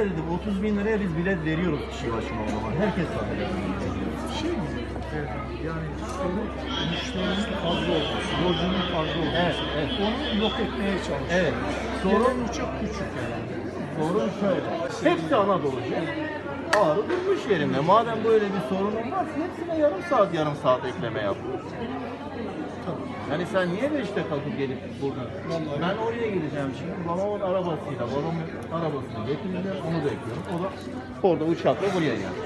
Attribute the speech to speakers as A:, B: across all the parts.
A: dedim 30 bin liraya biz bilet veriyoruz kişi başına o zaman. Herkes sanıyor.
B: Şey mi? Yani sorun müşterinin fazla olması, yolcunun fazla olması.
A: Evet, evet.
B: Onu yok etmeye çalışıyor.
A: Evet.
B: Sorun çok küçük yani.
A: Sorun şöyle. Hepsi Anadolu'cu. Ağrı durmuş yerinde. Madem böyle bir sorunun var, hepsine yarım saat ekleme yap. Yani sen niye 5'te kalkıp gelip burada? Ben oraya gideceğim şimdi. Babamın arabasıyla, babamın arabasını getireceğim. Onu bekliyorum. O da orada uçakla buraya geldi.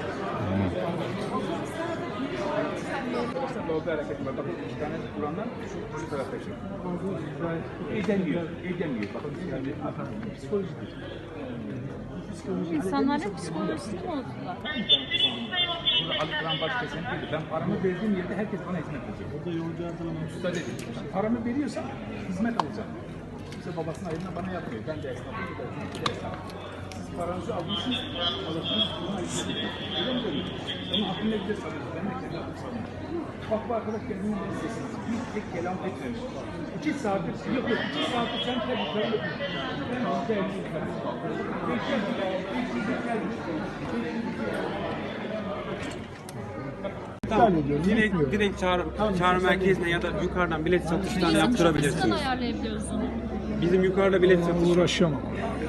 C: Yolda hareket var. Bakın iki tane kuranlar şu tarafta şey. Eğlenmiyor. Bakın yani psikolojidir.
D: İnsanların psikolojisini bozdular.
C: Burada alıkılan baş kesen değil. Ben paramı verdiğim yerde herkes bana hizmet edecek.
B: O da yolcu adamı.
C: Usta dedi. Paramı veriyorsam hizmet alacağım. Kimse babasının ayırına bana yapmıyor. Ben de esnafım, bu da esnaf. Siz paranızı almışsınız, alırsınız, buna hizmet edin. Öyle mi görüyorsunuz? Ama aklım ne bilir sanıyorsun. Ben de kendi aklım sanıyorum. Bak bu arkadaş kendini ne sesiniz. Bir tek kelam etmemiş. 2 saattir, yok 2 saattir sen tek yukarı yapıyorsun. Ben hızlı elini
E: Tamam. Direkt çağrı merkezine ya da yukarıdan bilet satıştan yaptırabilirsiniz.
D: Nasıl ayarlayabiliyoruz onu?
E: Bizim yukarıda bilet satış
B: Uğraşamam.